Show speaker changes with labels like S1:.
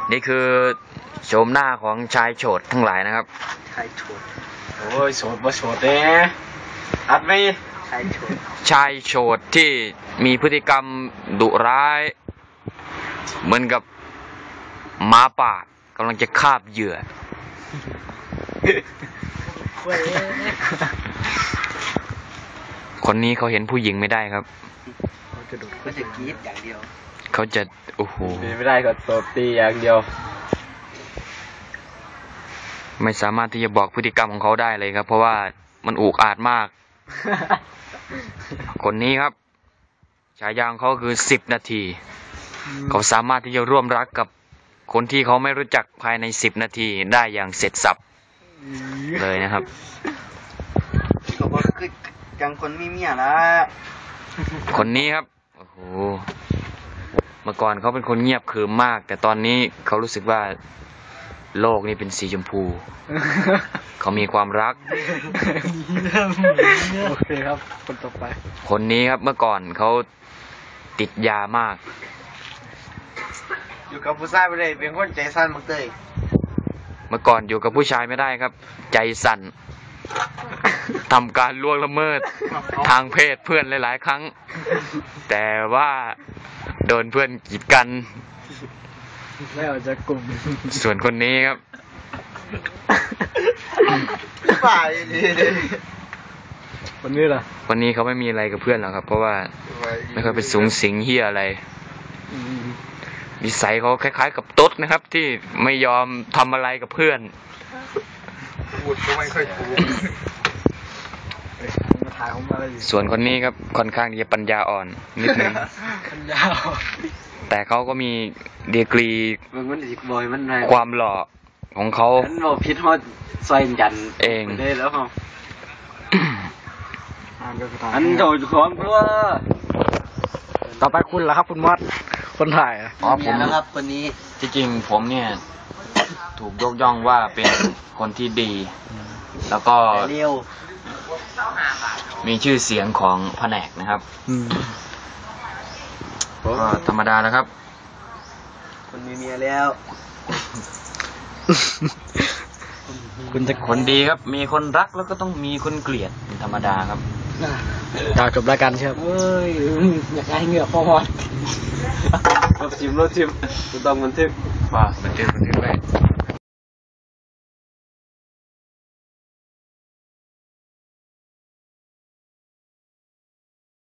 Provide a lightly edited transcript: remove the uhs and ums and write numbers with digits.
S1: นี่คือโฉมหน้าของชายโฉดทั้งหลายนะครับ
S2: ชายโฉดโอ้ยโฉดบ่โฉดเด้อัดไหมชายโฉด
S1: ชายโฉดที่มีพฤติกรรมดุร้ายเหมือนกับหมาป่ากำลังจะคาบเหยื่อคนนี้เขาเห็นผู้หญิงไม่ได้ครับ
S2: เขาจะกรี๊ดอย่างเดียว
S1: เขาจะโอ้โห
S2: ไม่ได้ก็ตบตีอย่างเดียว
S1: ไม่สามารถที่จะบอกพฤติกรรมของเขาได้เลยครับเพราะว่ามันอุกอาจมาก คนนี้ครับฉายาของเขาคือ10 นาทีเขาสามารถที่จะร่วมรักกับคนที่เขาไม่รู้จักภายใน10 นาทีได้อย่างเสร็จสับเลยนะครับ
S2: ก็บอกคือจังคนมีเมียละ
S1: คนนี้ครับโอ้โหเมื่อก่อนเขาเป็นคนเงียบขรึมมากแต่ตอนนี้เขารู้สึกว่าโลกนี้เป็นสีชมพูเขามีความรัก
S2: โอเคครับคนต่อไป
S1: คนนี้ครับเมื่อก่อนเขาติดยามาก
S2: อยู่กับผู้ชายไม่ได้เป็นคนใจสั้นมากเลย
S1: เมื่อก่อนอยู่กับผู้ชายไม่ได้ครับใจสั่นทำการล่วงละเมิดทางเพศเพื่อนหลายๆครั้งแต่ว่าโดนเพื่อนกีดกัน
S2: ไม่ออกจากกลุ่ม
S1: ส่วนคนนี้ครับ
S2: ฝ่ายดีคนนี้ล่ะ
S1: คนนี้เขาไม่มีอะไรกับเพื่อนหรอกครับเพราะว่าไม่เคยไปสูงสิงเหี้ยอะไรนิสัยเขาคล้ายๆกับตุ๊ดนะครับที่ไม่ยอมทำอะไรกับเพื่อน
S2: พูดก็ไม่ค่อยถูก
S1: ส่วนคนนี้ครับค่อนข้างที่จะปัญญาอ่อนนิดนึงแต่เขาก็มีดีกรีความหล่อของเขา
S2: พิษฮอดซอยยัน
S1: เอง
S2: ได้แล้วครับอันโดดของตัวต่อไปคุณล่ะครับคุณมอดคนถ่าย
S1: ผม
S2: นะครับคนนี้
S1: ที่จริงผมเนี่ยถูกยกย่องว่าเป็นคนที่ดีแล้วก็มีชื่อเสียงของแผนกนะครับก็ธรรมดาแล้วครับ
S2: คนมีเมียแล้ว
S1: คุณจะคนดีครับมีคนรักแล้วก็ต้องมีคนเกลียดเป็นธรรมดาครับ
S2: จบรายการเชียวเอ้ยอยากให้เหงื่อพอดรถชิมต้องบันทึก
S1: ว่าบันทึกไว้